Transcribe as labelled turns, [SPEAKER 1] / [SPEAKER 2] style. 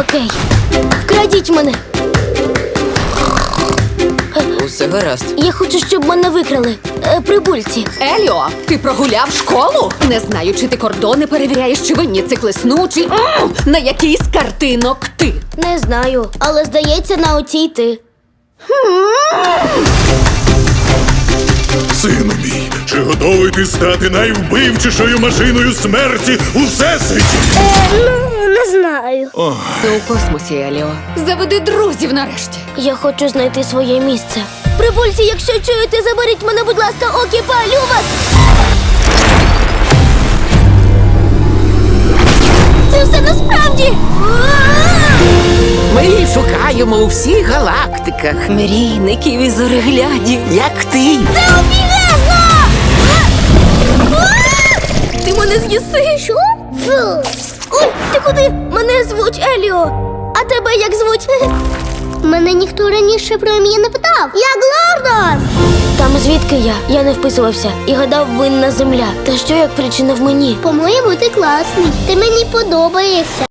[SPEAKER 1] Окей. Вкрадіть мене.
[SPEAKER 2] Усе гаразд.
[SPEAKER 1] Я хочу, щоб мене викрали. Прибульці.
[SPEAKER 3] Еліо, ти прогуляв школу? Не знаю, чи ти кордони перевіряєш, чи винні циклесну, чи на який з картинок ти.
[SPEAKER 1] Не знаю, але здається, на оцій ти.
[SPEAKER 4] Сину мій, чи готовий ти стати найвбивчішою машиною смерті у всесвіті?
[SPEAKER 1] Не знаю.
[SPEAKER 3] Ти у космосі, Еліо. Заведи друзів нарешті.
[SPEAKER 1] Я хочу знайти своє місце. Прибульці, якщо чуєте, заберіть мене, будь ласка, окі, палю вас! Це все насправді!
[SPEAKER 5] Ми її шукаємо у всіх галактиках,
[SPEAKER 3] Мрійників і зореглядів.
[SPEAKER 5] як ти.
[SPEAKER 1] Це обігезно! Ти мене з'їси? Що? Фу. Ой, ти куди? Мене звуть Еліо. А тебе як звуть? Мене ніхто раніше про ім'я не питав. Я Глордон! Там звідки я? Я не вписувався і гадав, винна земля. Та що як причина в мені?
[SPEAKER 6] По-моєму, ти класний. Ти мені подобаєшся.